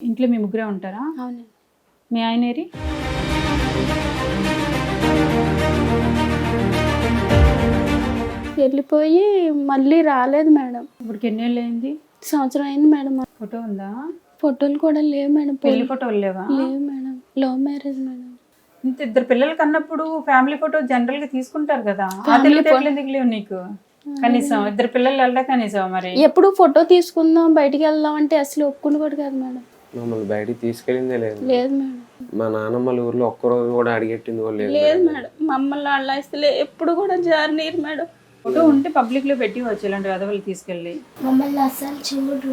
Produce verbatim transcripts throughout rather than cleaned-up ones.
ఇంట్లో మీ ముగ్గురే ఉంటారా? అవునండి. మీ ఆయన ఏరి? వెళ్ళిపోయి మళ్ళీ రాలేదు మేడం. ఇప్పటికి ఎన్నేళ్ళు అయింది? సంవత్సరం అయింది మేడం. ఫోటో ఉందా? ఫోటోలు కూడా లేవు మేడం. పెళ్లి ఫోటోలు లేవా? లేవు మేడం. Love marriage madam. ఇంత ఇద్దరు పిల్లలు కన్నప్పుడు ఫ్యామిలీ ఫోటో జనరల్ గా తీసుకుంటారు కదా, ఆ తెలివితేటలు ఎందుకు లేవు నీకు? కనీసం ఇద్దరు పిల్లలు వెళ్ళా కనీసం మరి ఎప్పుడు ఫోటో తీసుకుందాం బయటికి వెళ్దాం అంటే అసలు ఒప్పుకుని కూడా కాదు మేడం. మమ్మల్ని బయటికి తీసుకెళ్ళిందే లేదు లేదు మేడం. మా నాన్నమ్మల ఊర్లో ఒక్కరోజు కూడా అడిగెట్టింది కూడా లేదు లేదు మేడం. మమ్మల్ని వాళ్ళ ఇస్తలే ఎప్పుడు కూడా జారనీరు మేడం. ఫోటో ఉంటే పబ్లిక్ లో పెట్టి వచ్చు ఇలాంటి వదవలు తీసుకెళ్ళి. మమ్మల్ని అసలు చూడు.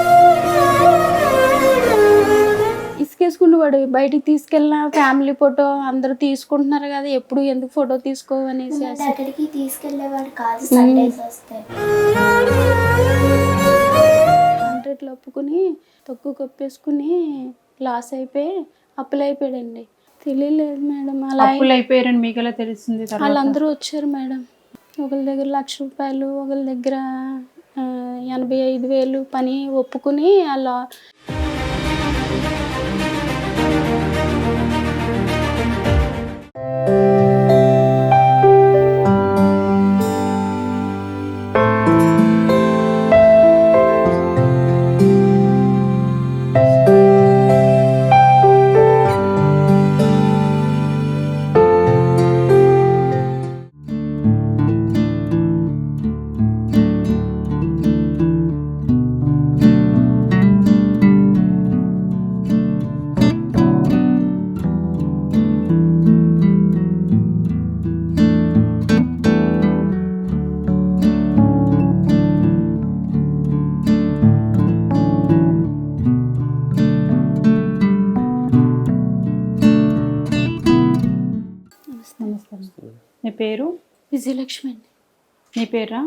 ఇసుకేసుకునేవాడు. బయటికి తీసుకెళ్ళిన ఫ్యామిలీ ఫోటో అందరూ తీసుకుంటున్నారు కదా, ఎప్పుడు ఎందుకు ఫోటో తీసుకోవనేసి అక్కడికి తీసుకెళ్లేవాడు కాదు. సండేస్ వస్తే హండ్రెడ్లు ఒప్పుకుని తక్కువ కప్పేసుకుని లాస్ అయిపోయి అప్పులు అయిపోయాడండి. తెలియలేదు మేడం. అలా అప్పులు అయిపోయారని మీకు ఎలా తెలుస్తుంది? వాళ్ళందరూ వచ్చారు మేడం. ఒకరి దగ్గర లక్ష రూపాయలు, ఒకరి దగ్గర ఎనభై ఐదు వేలు పని ఒప్పుకుని అలా మీ పేరు? విజయలక్ష్మి అండి. మీ పేరా?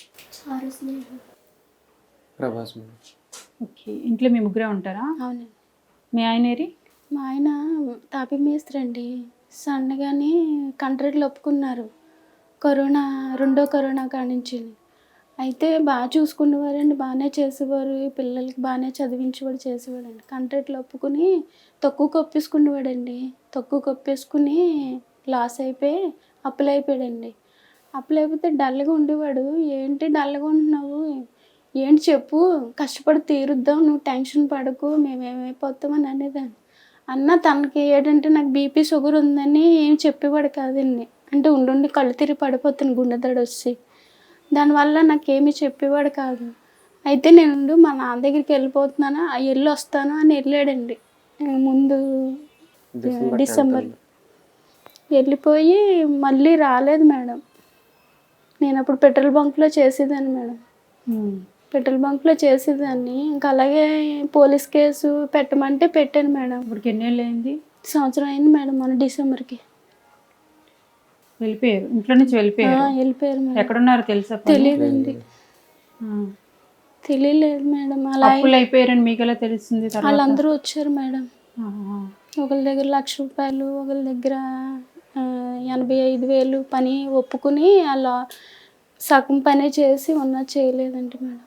ప్రభాస్. ఓకే. ఇంట్లో మీ ముగ్గురే ఉంటారా? అవునండి. మీ ఆయన ఏరి? మా ఆయన తాపి మేస్త్రి అండి. సన్నగానే కంట్రీలు ఒప్పుకున్నారు కరోనా, రెండో కరోనా కానించి. అయితే బాగా చూసుకునేవారండి, బాగానే చేసేవారు, పిల్లలకి బాగానే చదివించేవాడు, చేసేవాడండి. కంట్రీలు ఒప్పుకుని తక్కువ కప్పేసుకునేవాడండి. తక్కువ కప్పేసుకుని లాస్ అయిపోయి అప్పులు అయిపోయాడండి. అప్పులు అయిపోతే డల్గా ఉండేవాడు. ఏంటి డల్గా ఉంటున్నావు, ఏంటి చెప్పు, కష్టపడి తీరుద్దాం, నువ్వు టెన్షన్ పడకు, మేమేమైపోతామని అనేదాన్ని. అన్న తనకి ఏంటంటే నాకు బీపీ షుగర్ ఉందని ఏం చెప్పేవాడు కాదండి. అంటే ఉండుండి కళ్ళు తిరిగి పడిపోతాను గుండెదడ వచ్చి, దానివల్ల నాకేమీ చెప్పేవాడు కాదు. అయితే నేను మా నాన్న దగ్గరికి వెళ్ళిపోతున్నాను, వెళ్ళి వస్తాను అని వెళ్ళాడండి. ముందు డిసెంబర్ వెళ్ళిపోయి మళ్ళీ రాలేదు మేడం. నేను అప్పుడు పెట్రోల్ బంక్లో చేసేదాన్ని మేడం. పెట్రోల్ బంక్లో చేసేదాన్ని. ఇంకా అలాగే పోలీస్ కేసు పెట్టమంటే పెట్టాను మేడం. ఇప్పటికి ఎన్నేళ్ళు అయింది? సంవత్సరం అయింది మేడం. మన డిసెంబర్కి వెళ్ళిపోయారు. ఇంట్లో నుంచి వెళ్ళిపోయారు? వెళ్ళిపోయారు మేడం. ఎక్కడున్నారు తెలుసా? తెలియదండి. తెలియలేదు మేడం. అలా అప్పులు అయిపోయారని మీకు ఎలా తెలుస్తుంది? వాళ్ళందరూ వచ్చారు మేడం. ఒకరి దగ్గర లక్ష రూపాయలు, ఒకరి దగ్గర ఎనభై ఐదు వేలు పని ఒప్పుకుని అలా సగం పని చేసి ఉన్నా చేయలేదండి మేడం.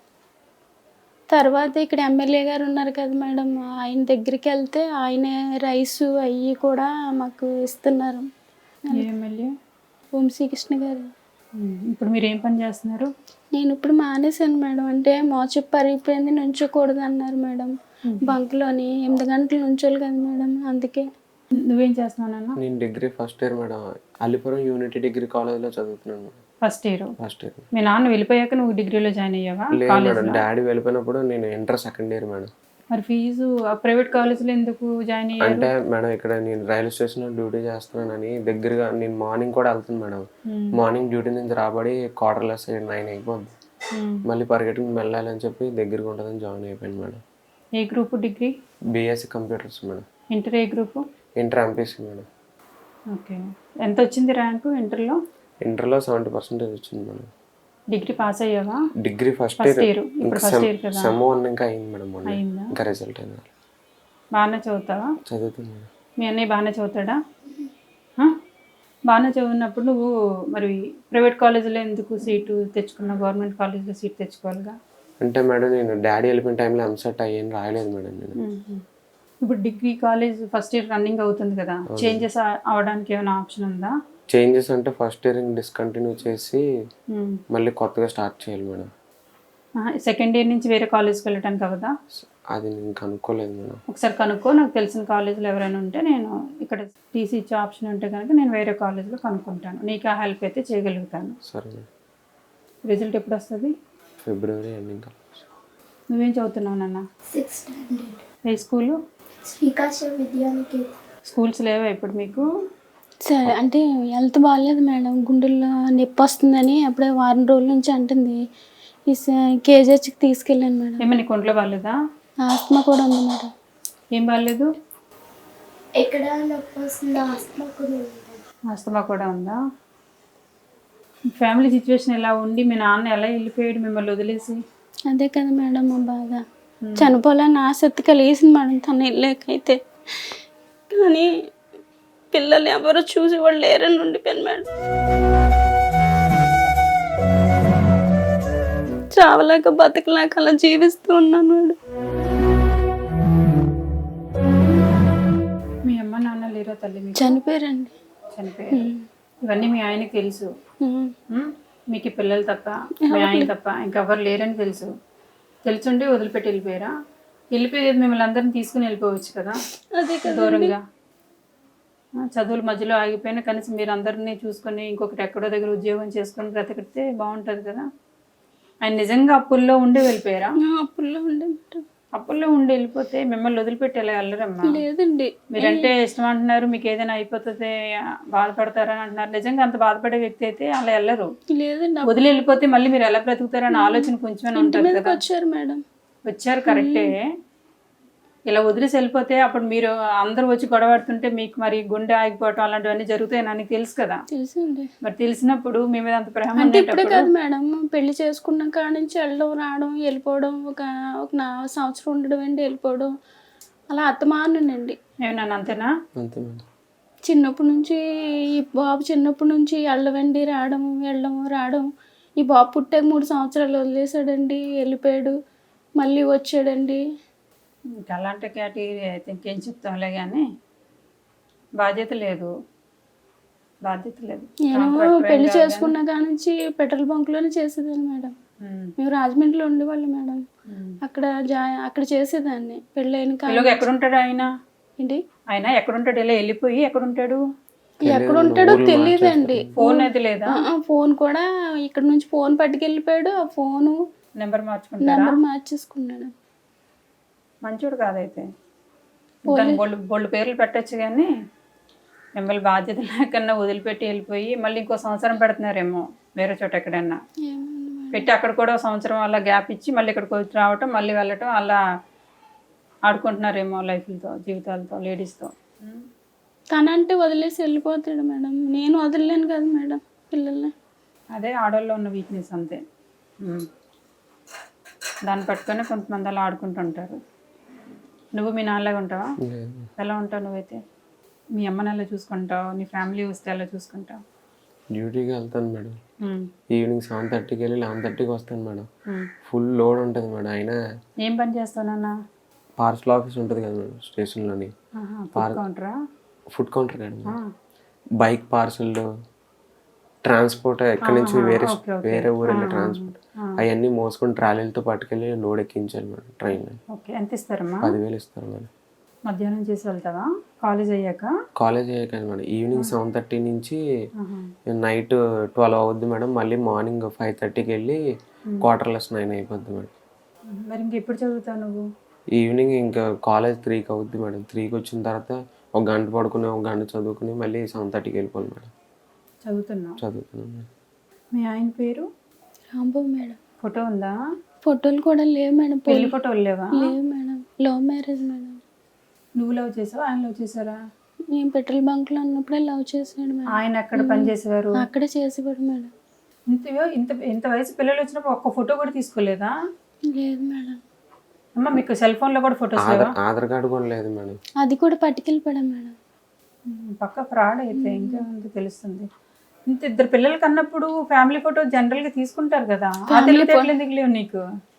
తర్వాత ఇక్కడ ఎమ్మెల్యే గారు ఉన్నారు కదా మేడం, ఆయన దగ్గరికి వెళ్తే ఆయన రైసు అవి కూడా మాకు ఇస్తున్నారు. ఎమ్మెల్యే వంశీకృష్ణ గారు. ఇప్పుడు మీరు ఏం పని చేస్తున్నారు? నేను ఇప్పుడు మానేశాను మేడం. అంటే మోచెప్పు పరిగిపోయింది, నుంచోకూడదు అన్నారు మేడం. బంక్లోని ఎనిమిది గంటలు నుంచోలు కదా మేడం, అందుకే. నువ్వేం చేస్తున్నావు? నేను degree first year madam. Allipuram unity degree కాలేజ్లో చదువుతున్నాను. First year? First year. మీ నాన్న వెళ్ళిపోయాక నువ్వు డిగ్రీలో జాయిన్ అయ్యావా? లేదు మేడం, డాడీ వెళ్ళిపోయినప్పుడు నేను ఇంటర్ సెకండ్ ఇయర్ మేడం. మరి ఫీజు ప్రైవేట్ కాలేజ్లో ఎందుకు జాయిన్ అయ్యారు? అంటే మేడం ఇక్కడ నేను రైల్వే స్టేషన్లో డ్యూటీ చేస్తున్నానని దగ్గరగా నేను మార్నింగ్ కూడా వెళ్తాను మేడం. మార్నింగ్ డ్యూటీ నుంచి రాబడి క్వార్టర్లెస్ నైన్ అయిపోద్ది, మళ్ళీ పరిగెట్టుకుని వెళ్ళాలని చెప్పి దగ్గరగా ఉంటుందని జాయిన్ అయిపోయాను మేడం. ఏ group degree? BSc computers madam. Inter ఏ group? Inter MPC madam. Okay. ఎంత వచ్చింది ర్యాంకు ఇంటర్లో? ఇంటర్లో సెవెంటీ పర్సెంటేజ్ వచ్చింది మేడం. డిగ్రీ పాస్ అయ్యావా? Degree first year sem one ఇంకా అయింది మేడం. ఇంకా రిజల్ట్ అయింది. బాగానే చదువుతావా? చదువుతుంది మేడం. మీ అన్నయ్య బాగానే చదువుతాడా? బాగానే చదివినప్పుడు నువ్వు మరి ప్రైవేట్ కాలేజీలో ఎందుకు సీటు తెచ్చుకున్నావు? గవర్నమెంట్ కాలేజీలో సీట్ తెచ్చుకోవాలిగా. అంటే మేడం నేను డాడీ వెళ్ళిపోయిన టైంలో ఎంసెట్ అయ్యాను రాయలేదు మేడం. నేను ఇప్పుడు degree college first year running అవుతుంది కదా, చేంజెస్ అవడానికి ఏమైనా ఆప్షన్ ఉందా? చేంజెస్ అంటే ఫస్ట్ ఇయర్ డిస్కంటిన్యూ చేసి మళ్ళీ కొత్తగా స్టార్ట్ చేయాలి మేడం. సెకండ్ ఇయర్ నుంచి వేరే కాలేజ్కి వెళ్ళడానికి అవదా? అది నేను కనుక్కోలేదు మేడం. ఒకసారి కనుక్కో, నాకు తెలిసిన కాలేజీలో ఎవరైనా ఉంటే నేను ఇక్కడ టీసీ ఇచ్చే ఆప్షన్ ఉంటే కనుక నేను వేరే కాలేజ్లో కనుక్కుంటాను, నీకు ఆ హెల్ప్ అయితే చేయగలుగుతాను. సరే మేడం. రిజల్ట్ ఎప్పుడు వస్తుంది? February ending. నువ్వేం చదువుతున్నావు నాన్న? Six standard. ఏ స్కూలు? శ్రీకాశ విద్యానికేతన్. స్కూల్స్ లేవా ఇప్పుడు మీకు? సరే అంటే హెల్త్ బాగాలేదు మేడం, గుండెల్లో నొప్పి వస్తుందని అప్పుడే వారం రోజుల నుంచి అంటుంది. ఈ కేజీహెచ్కి తీసుకెళ్ళాను మేడం. ఏమో నీకు ఒంట్లో బాగాలేదా? ఆస్తమా కూడా ఉంది మేడం. ఏం బాగాలేదు? ఎక్కడ నొప్పి వస్తుంది, ఆస్తమా కూడా ఉంది. ఆస్తమా కూడా ఉందా? ఫ్యామిలీ సిచ్యువేషన్ ఎలా ఉండి మీ నాన్న ఎలా వెళ్ళిపోయాడు మిమ్మల్ని వదిలేసి? అదే కదా మేడం మా బాధ. చనిపోవాలని ఆసక్తి కలిగేసింది మేడం తన వెళ్ళాకైతే, కానీ పిల్లలు ఎవరు చూసి వాళ్ళు లేరని ఉండిపోయాను మేడం. చావలేక బతకలేక అలా జీవిస్తూ ఉన్నాను మేడం. మీ అమ్మ నాన్న లేరా తల్లి మీకు? చనిపోయారండి. చనిపోయారు. ఇవన్నీ మీ ఆయనకి తెలుసు, ఉమ్. ఉమ్? మీకు ఈ పిల్లలు తప్ప మీ ఆయన తప్ప ఇంకెవరు లేరని తెలుసు. తెలుసుండి వదిలిపెట్టి వెళ్ళిపోయారా? వెళ్ళిపోయేది మిమ్మల్ని అందరిని తీసుకుని వెళ్ళిపోవచ్చు కదా అదే కదా దూరంగా. ఆ, చదువుల మధ్యలో ఆగిపోయినా కనీసం మీరు అందరినీ చూసుకొని ఇంకొకటి ఎక్కడో దగ్గర ఉద్యోగం చేసుకొని బ్రతకడితే బాగుంటుంది కదా. ఆయన నిజంగా అప్పుల్లో ఉండి వెళ్ళిపోయారా? అప్పుల్లో ఉండే మేడం. అప్పుల్లో ఉండి వెళ్ళిపోతే మిమ్మల్ని వదిలిపెట్టి ఎలా వెళ్ళరమ్మా? లేదండి. మీరంటే ఇష్టం అంటున్నారు, మీకు ఏదైనా అయిపోతుంది బాధపడతారని అంటున్నారు. నిజంగా అంత బాధపడే వ్యక్తి అయితే అలా వెళ్ళరు. లేదండి. వదిలి వెళ్ళిపోతే మళ్ళీ మీరు ఎలా బ్రతుకుతారని ఆలోచన కొంచెం ఉంటుంది కదా. వచ్చారు మేడం. వచ్చారు కరెక్టే. ఇలా వదిలేసి వెళ్ళిపోతే అప్పుడు మీరు అందరూ వచ్చి గొడవడుతుంటే మీకు మరి గుండె ఆగిపోవటం అలాంటివన్నీ జరుగుతాయి నాకు తెలుసు కదా. తెలుసండి. మరి తెలిసినప్పుడు మీ మీద అంత ప్రేమ అంటే ఇప్పుడే కాదు మేడం, పెళ్లి చేసుకున్న కాడ నుంచి వెళ్ళడం రావడం వెళ్ళిపోవడం, ఒక ఒక నా సంవత్సరం ఉండడం అండి వెళ్ళిపోవడం, అలా అత్తమానండి. ఏమన్నా అంతేనా? అంతే మేడం. చిన్నప్పటి నుంచి ఈ బాబు చిన్నప్పటి నుంచి వెళ్ళవండి రావడం వెళ్ళడం రావడం. ఈ బాబు పుట్టాక మూడు సంవత్సరాలు వదిలేసాడండి, వెళ్ళిపోయాడు, మళ్ళీ వచ్చాడండి. ఇంకా అలాంటి కేటగిరీ అయితే ఇంకేం చెప్తాంలే కానీ బాధ్యత లేదు, బాధ్యత లేదు. నేను పెళ్లి చేసుకున్న కాడ నుంచి పెట్రోల్ బంక్లోనే చేసేదాన్ని మేడం. మేము రాజమండ్రిలో ఉండేవాళ్ళం మేడం. అక్కడ జా అక్కడ చేసేదాన్ని పెళ్ళైన కాడ. ఎక్కడ ఉంటాడు ఆయన? ఏంటి ఆయన ఎక్కడుంటాడు? ఇలా వెళ్ళిపోయి ఎక్కడుంటాడు? ఎక్కడ ఉంటాడో తెలియదండి. ఫోన్ అయితే లేదా? ఫోన్ కూడా ఇక్కడ నుంచి ఫోన్ పట్టుకెళ్ళిపోయాడు. ఆ ఫోను నెంబర్ మార్చుకుంటాడా? నెంబర్ మార్చేసుకున్నాడు. మంచోడు కాదైతే. దాని బొళ్ళు బొళ్ళు పేర్లు పెట్టచ్చు కానీ మిమ్మల్ని బాధ్యత లేకన్నా వదిలిపెట్టి వెళ్ళిపోయి మళ్ళీ ఇంకో సంవత్సరం పెడుతున్నారేమో వేరే చోట ఎక్కడన్నా పెట్టి, అక్కడ కూడా సంవత్సరం అలా గ్యాప్ ఇచ్చి మళ్ళీ ఇక్కడికి వచ్చి రావటం మళ్ళీ వెళ్ళటం అలా ఆడుకుంటున్నారేమో లైఫ్లతో జీవితాలతో లేడీస్తో. తనంటే వదిలేసి వెళ్ళిపోతాడు మేడం, నేను వదిలేను కదా మేడం పిల్లల్ని. అదే ఆడవాళ్ళలో ఉన్న వీక్నెస్ అంతే. దాన్ని పట్టుకొని కొంతమంది అలా ఆడుకుంటుంటారు. నువ్వు మీ నాన్నలాగా ఉంటావా? ఎలా ఉంటావు నువ్వైతే? మీ అమ్మని ఎలా చూసుకుంటావు? నీ ఫ్యామిలీ వస్తే ఎలా చూసుకుంటావు? డ్యూటీకి వెళ్తాను మేడం. ఈవినింగ్ సెవెన్ థర్టీకి వెళ్ళి లెవెన్ థర్టీకి వస్తాను మేడం. ఫుల్ లోడ్ ఉంటుంది మేడం. అయినా ఏం పని చేస్తావు నాన్న? పార్సల్ ఆఫీస్ ఉంటుంది కదా మేడం స్టేషన్లోని. కౌంటరా? Food counter madam. Bike parcel transport ఎక్కడి నుంచి వేరే వేరే ఊరు వెళ్ళే ట్రాన్స్పోర్ట్ అవన్నీ మోసుకొని ట్రాలీలతో పట్టుకెళ్ళి లోడ్ ఎక్కించాలి మేడం ట్రైన్. ఓకే, ఎంత ఇస్తారమ్మా? పదివేలు ఇస్తారు మేడం. మధ్యాహ్నం చేసి వెళ్తావా కాలేజ్ అయ్యాక? కాలేజ్ అయ్యాక మేడం. ఈవినింగ్ సెవెన్ థర్టీ నుంచి నైట్ ట్వెల్వ్ అవుద్ది మేడం. మళ్ళీ మార్నింగ్ ఫైవ్ థర్టీకి వెళ్ళి క్వార్టర్లెస్ నైన్ అయిపోద్ది మేడం. మరి ఇంకెప్పుడు చదువుతావు నువ్వు? ఈవినింగ్ ఇంకా కాలేజ్ త్రీకి అవుద్ది మేడం. త్రీకి వచ్చిన తర్వాత ఒక గంట పడుకుని ఒక గంట చదువుకుని మళ్ళీ సెవెన్ థర్టీకి వెళ్ళిపోవాలి మేడం. చదువుతున్నావు? చదువుతున్నాను మేడం. మీ ఆయన పేరు? రాంబాబు మేడం. ఫోటో ఉందా? ఫోటోలు కూడా లేవు మేడం. పెళ్లి ఫోటోలు లేవా? లేవు మేడం, లవ్ మ్యారేజ్ మేడం. నువ్వు లవ్ చేసావా ఆయన లవ్ చేశారా? నేను పెట్రోల్ బంక్లో ఉన్నప్పుడే లవ్ చేసాడు మేడం. ఆయన ఎక్కడ పని చేసేవారు? అక్కడే చేసేవాడు మేడం. ఇంత ఇంత ఇంత వయసు పిల్లలు వచ్చినప్పుడు ఒక్క ఫోటో కూడా తీసుకోలేదా? లేదు మేడం. అమ్మ మీకు సెల్ ఫోన్ లో కూడా ఫోటోస్ లేవా? ఆధార్ కార్డు కూడా లేదు మేడం. అది కూడా పట్టుకెళ్ళిపోయాడు మేడం. పక్క ఫ్రాడ్ అయితే ఇంకా ఉంది తెలుస్తుంది. ఇంత ఇద్దరు పిల్లలు కన్నప్పుడు ఫ్యామిలీ ఫోటో జనరల్ గా తీసుకుంటారు కదా, ఆ తెలివితేటలు ఎందుకు లేవు నీకు?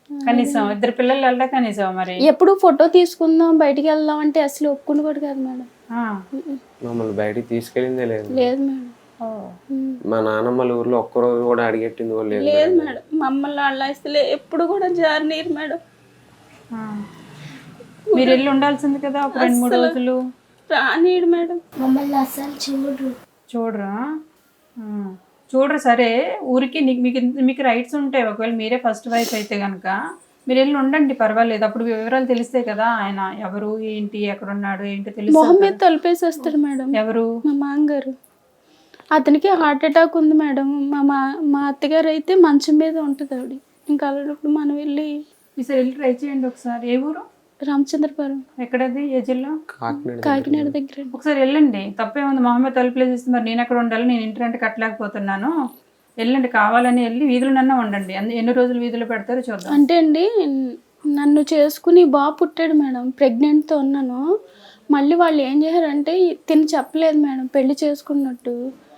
కనీసం ఇద్దరు పిల్లలు వెళ్ళా కనీసం మరి ఎప్పుడు ఫోటో తీసుకుందాం బయటికి వెళ్దాం అంటే అసలు ఒప్పుకునేవాడు కాదు మేడం. ఆ. మమ్మల్ని బయటికి తీసుకెళ్ళిందే లేదు. లేదు మేడం. ఓ. మా నాన్నమ్మల ఊర్లో ఒక్కరోజు కూడా అడిగెట్టింది కూడా లేదు లేదు మేడం. మమ్మల్ని వాళ్ళ అసలు ఎప్పుడు కూడా జారనీరు మేడం. ఆ. మీరు వెళ్ళి ఉండాల్సింది కదా ఒక రెండు మూడు రోజులు. రానీడు మేడం. మమ్మల్ని అస్సలు చూడరు. చూడరా? ఆ. చూడరు సరే, ఊరికి నీకు మీకు మీకు రైట్స్ ఉంటాయి. ఒకవేళ మీరే ఫస్ట్ వైఫ్ అయితే కనుక మీరు వెళ్ళి ఉండండి, పర్వాలేదు. అప్పుడు వివరాలు తెలిస్తే కదా ఆయన ఎవరు ఏంటి ఎక్కడ ఉన్నాడు ఏంటి తెలుసు. మొహం మీద తలిపేసేస్తాడు మేడం. ఎవరు? మా మామగారు. అతనికి హార్ట్ అటాక్ ఉంది మేడం. మా మా మా అత్తగారు అయితే మంచం మీద ఉంటుంది ఆవిడ. ఇంకా అలాంటప్పుడు మనం వెళ్ళి ఈసారి వెళ్ళి ట్రై చేయండి ఒకసారి. ఏ ఊరు? రామచంద్రపురం. ఎక్కడది? ఏ జిల్లా? కాకినాడ. కాకినాడ దగ్గర. ఒకసారి వెళ్ళండి, తప్పేముంది. మొహమ్మద్ తలుపులేసి ఇస్తే మరి నేను ఎక్కడ ఉండాలి, నేను ఇంటి రెంట్ కట్టలేకపోతున్నాను. వెళ్ళండి, కావాలని వెళ్ళి వీధులనన్నా ఉండండి. అందు ఎన్ని రోజులు వీధులు పెడతారో చూద్దాం. అంటే అండి నన్ను చేసుకుని బాబు పుట్టాడు మేడం. ప్రెగ్నెంట్తో ఉన్నాను. మళ్ళీ వాళ్ళు ఏం చేశారంటే తిని చెప్పలేదు మేడం పెళ్లి చేసుకున్నట్టు.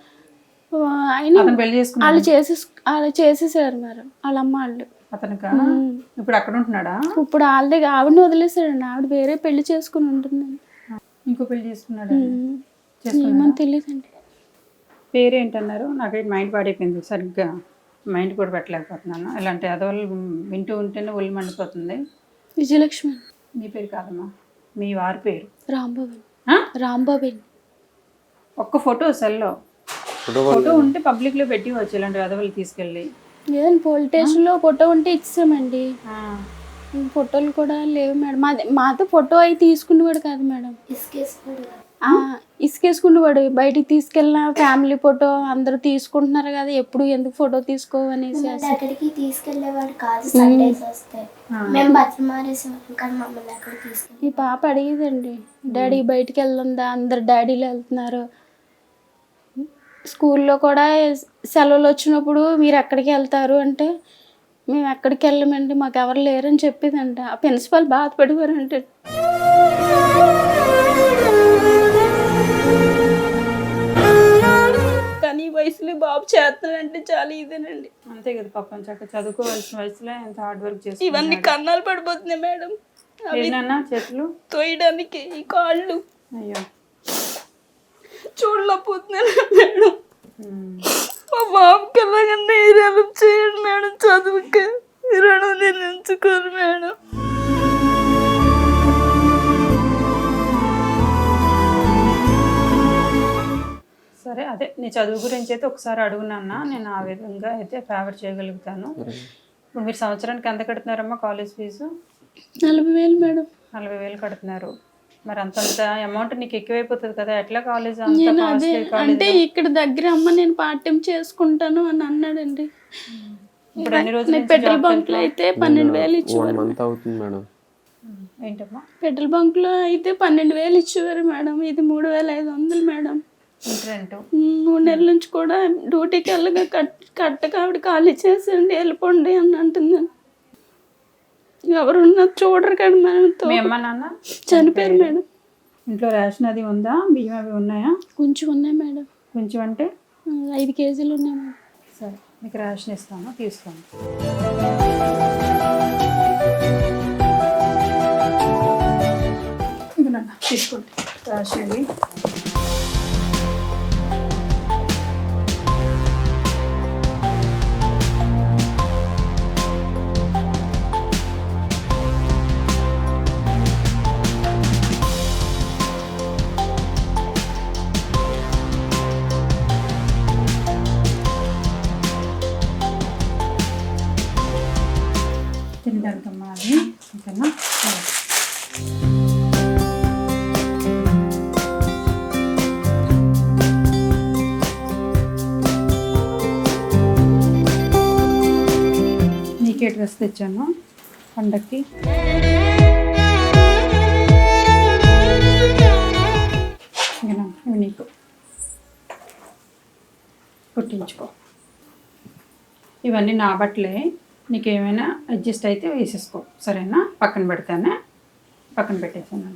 ఆయన అతను పెళ్లి చేసుకున్నాడు. వాళ్ళు చేసే వాళ్ళు చేసేసారు మేడం వాళ్ళ అమ్మ వాళ్ళు. అతనికా? ఇప్పుడు అక్కడ ఉంటున్నాడా? ఇప్పుడు వాళ్ళ దగ్గర ఆవిడని వదిలేసాడండి. ఆవిడ వేరే పెళ్లి చేసుకుని ఉంటుందండి. ఇంకో పెళ్లి చేసుకున్నాడు. ఏమో తెలియదండి. పేరేంటన్నారు? నాకైతే మైండ్ పాడైపోయింది సరిగ్గా. మైండ్ కూడా పెట్టలేకపోతున్నాను. ఇలాంటి అదోళ్ళు వింటూ ఉంటేనే ఒళ్ళు మండిపోతుంది. విజయలక్ష్మి. మీ పేరు కాదమ్మా, మీ వారి పేరు? రాంబాబు. ఆ? రాంబాబు. ఒక్క ఫోటో సెల్లో ఫోటో ఉంటే పబ్లిక్లో పెట్టి వచ్చు. ఇలాంటి అదవులు తీసుకెళ్ళి లేదండి పోలీస్ స్టేషన్లో ఫోటో ఉంటే ఇచ్చామండి. ఆ. ఫోటోలు కూడా లేవు మేడం. మాది మాతో ఫోటో అవి తీసుకునేవాడు కాదు మేడం. ఇసుకేసుకుడు. ఇసుకేసుకునేవాడు. బయటికి తీసుకెళ్ళిన ఫ్యామిలీ ఫోటో అందరూ తీసుకుంటున్నారు కదా, ఎప్పుడు ఎందుకు ఫోటో తీసుకోవనేసి అక్కడికి తీసుకెళ్లేవాడు కాదు. సండేస్ వస్తే మేము బట్టలు మారేసేవాళ్ళం కానీ మమ్మల్ని అక్కడికి తీసుకెళ్ళి. ఈ పాప అడిగేదండి, డాడీ బయటికి వెళ్దా, అందరు డాడీలు వెళ్తున్నారు. స్కూల్లో కూడా సెలవులు వచ్చినప్పుడు మీరు ఎక్కడికి వెళ్తారు అంటే మేము ఎక్కడికి వెళ్ళమండి, మాకు ఎవరు లేరని చెప్పేదంట. ఆ ప్రిన్సిపాల్ బాధపడిపోయారంటే. కానీ ఈ వయసులో బాబు చేస్తున్నాడంటే చాలా ఇదేనండి. అంతే కదా పాపం, చక్కగా చదువుకోవాల్సిన వయసులో ఎంత హార్డ్ వర్క్ చేసి ఇవన్నీ కన్నాలు పడిపోతున్నాయి మేడం. ఏదన్నా చేతులు తోయడానికి ఈ కాళ్ళు అయ్యో చూడలేకపోతున్నాను మేడం. మా బాబుకి ఎలాగన్నా హెల్ప్ చేయండి మేడం. చదువుకి రుణం నేను ఎంచుకోరు మేడం. సరే, అదే నీ చదువు గురించి అయితే ఒకసారి అడుగునన్నా, నేను ఆ విధంగా అయితే ఫేవర్ చేయగలుగుతాను. ఇప్పుడు మీరు సంవత్సరానికి ఎంత కడుతున్నారమ్మా కాలేజ్ ఫీజు? నలభై వేలు మేడం. నలభై వేలు కడుతున్నారు. మరి అంతంత అమౌంట్ నీకు ఎక్కువైపోతుంది కదా, ఎట్లా కాలేజ్? నేను అదే అంటే ఇక్కడ దగ్గర అమ్మ నేను పార్ట్ టైం చేసుకుంటాను అని అన్నాడండి. ఇప్పుడు అన్ని రోజులు పెట్రోల్ బంక్ లో అయితే పన్నెండు వేలు ఇచ్చేవారు. మంత్ అవుతుంది మేడం. ఏంటమ్మా? పెట్రోల్ బంక్ లో అయితే పన్నెండు వేలు ఇచ్చేవారు మేడం. ఇది మూడు వేల ఐదు వందలు మేడం. రెంట్ మూడు నెలల నుంచి కూడా డ్యూటీకి వెళ్ళగా కట్ కట్టక ఆవిడ ఖాళీ చేసేయండి వెళ్ళిపోండి అని అంటుందని. ఎవరున్నా చూడరు కదా మేడం. మీ అమ్మ నాన్న చనిపోయారు మేడం. ఇంట్లో రేషన్ అది ఉందా? బియ్యం అవి ఉన్నాయా? కొంచెం ఉన్నాయి మేడం. కొంచెం అంటే ఐదు కేజీలు ఉన్నాయి మేడం. సరే, మీకు రేషన్ ఇస్తాను, తీసుకోండి. ఇదిగోనన్న, తీసుకోండి రేషన్ ఇది. తినడానికమ్మా అది, ఓకేనా? నీకే డ్రెస్ తెచ్చాను పండక్కి. ఇవి నీకు కుట్టించుకో. ఇవన్నీ నా బట్టలే, నీకు ఏమైనా అడ్జస్ట్ అయితే వేసేసుకో, సరేనా? పక్కన పెడతానే, పక్కన పెట్టేసాను.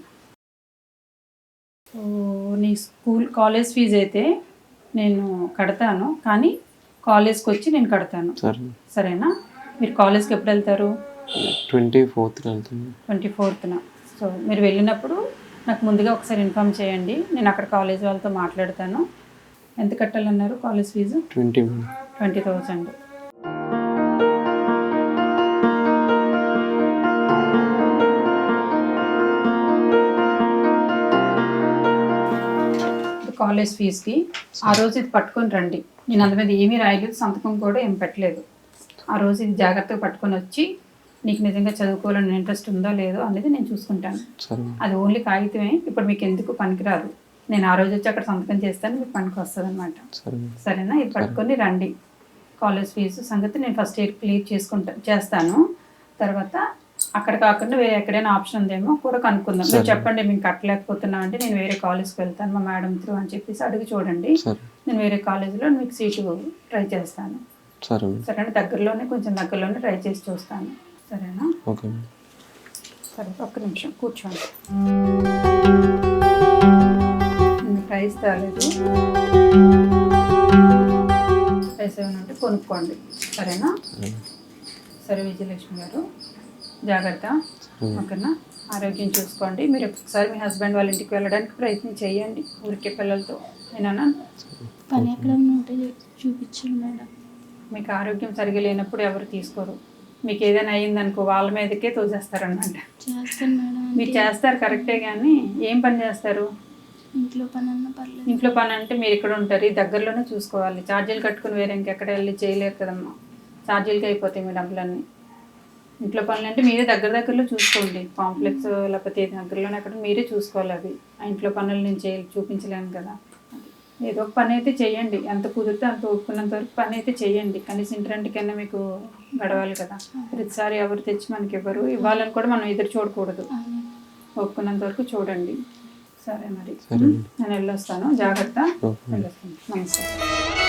సో నీ స్కూల్ కాలేజ్ ఫీజు అయితే నేను కడతాను, కానీ కాలేజ్కి వచ్చి నేను కడతాను, సరేనా? మీరు కాలేజ్కి ఎప్పుడు వెళ్తారు? ట్వంటీ ఫోర్త్ వెళ్తుంది. ట్వంటీ ఫోర్త్న సో మీరు వెళ్ళినప్పుడు నాకు ముందుగా ఒకసారి ఇన్ఫామ్ చేయండి. నేను అక్కడ కాలేజ్ వాళ్ళతో మాట్లాడతాను. ఎంత కట్టాలన్నారు college fee? Twenty twenty thousand. College ఫీజుకి ఆ రోజు ఇది పట్టుకొని రండి. నేను అంత మీద ఏమీ రాయలేదు, సంతకం కూడా ఏం పెట్టలేదు. ఆ రోజు ఇది జాగ్రత్తగా పట్టుకొని వచ్చి నీకు నిజంగా చదువుకోవాలని ఇంట్రెస్ట్ ఉందో లేదో అనేది నేను చూసుకుంటాను. అది ఓన్లీ కాగితమే, ఇప్పుడు మీకు ఎందుకు పనికిరాదు. నేను ఆ రోజు వచ్చి అక్కడ సంతకం చేస్తాను, మీకు పనికి వస్తుంది అనమాట. సరేనా? ఇది పట్టుకొని రండి. కాలేజ్ ఫీజు సంగతి నేను ఫస్ట్ ఇయర్ క్లియర్ చేసుకుంటా చేస్తాను. తర్వాత అక్కడ కాకుండా వేరే ఎక్కడైనా ఆప్షన్ ఉందేమో కూడా కనుక్కుందాం. మీరు చెప్పండి మేము కట్టలేకపోతున్నా అంటే నేను వేరే కాలేజ్కి వెళ్తాను మా మేడం త్రూ అని చెప్పేసి అడిగి చూడండి. నేను వేరే కాలేజీలో మీకు సీటు ట్రై చేస్తాను. సరేనా? దగ్గరలోనే కొంచెం దగ్గరలోనే ట్రై చేసి చూస్తాను. సరేనా? సరే, ఒక్క నిమిషం కూర్చోండి. ప్రైస్ తేలేదు, ప్రైస్ ఏమైనా ఉంటే కొనుక్కోండి. సరేనా? సరే విజయలక్ష్మి గారు, జాగ్రత్త. ఓకేనా? ఆరోగ్యం చూసుకోండి. మీరు ఒకసారి మీ హస్బెండ్ వాళ్ళ ఇంటికి వెళ్ళడానికి ప్రయత్నం చేయండి ఊరికే పిల్లలతో. నేనా పని ఎక్కడ ఉంటే చూపించండి మేడం. మీకు ఆరోగ్యం సరిగా లేనప్పుడు ఎవరు తీసుకోరు. మీకు ఏదైనా అయ్యిందనుకో వాళ్ళ మీదకే తోసేస్తారనమాట. చేస్తాను మేడం. మీరు చేస్తారు కరెక్టే, కానీ ఏం పని చేస్తారు? ఇంట్లో పని అన్న పర్లేదు. ఇంట్లో పని అంటే మీరు ఇక్కడ ఉంటారు, ఈ దగ్గరలోనే చూసుకోవాలి. ఛార్జీలు కట్టుకుని వేరే ఇంకెక్కడ వెళ్ళి చేయలేరు కదమ్మా. ఛార్జీలకి అయిపోతాయి మీ డబ్బులన్నీ. ఇంట్లో పనులు అంటే మీరే దగ్గర దగ్గరలో చూసుకోండి. కాంప్లెక్స్ లేకపోతే దగ్గరలోనే అక్కడ మీరే చూసుకోవాలి. అవి ఆ ఇంట్లో పనులు నేను చేయ చూపించలేను కదా. ఏదో ఒక పని అయితే చేయండి, ఎంత కుదిరితే అంత ఒప్పుకున్నంత వరకు పని అయితే చేయండి. కనీసం ఇంటికన్నా మీకు గడవాలి కదా. ప్రతిసారి ఎవరు తెచ్చి మనకి ఇవ్వరు, ఇవ్వాలని కూడా మనం ఎదురు చూడకూడదు. ఒప్పుకున్నంత వరకు చూడండి. సరే మరి, నేను వెళ్ళొస్తాను. జాగ్రత్త. వెళ్ళొస్తాను. నమస్తే.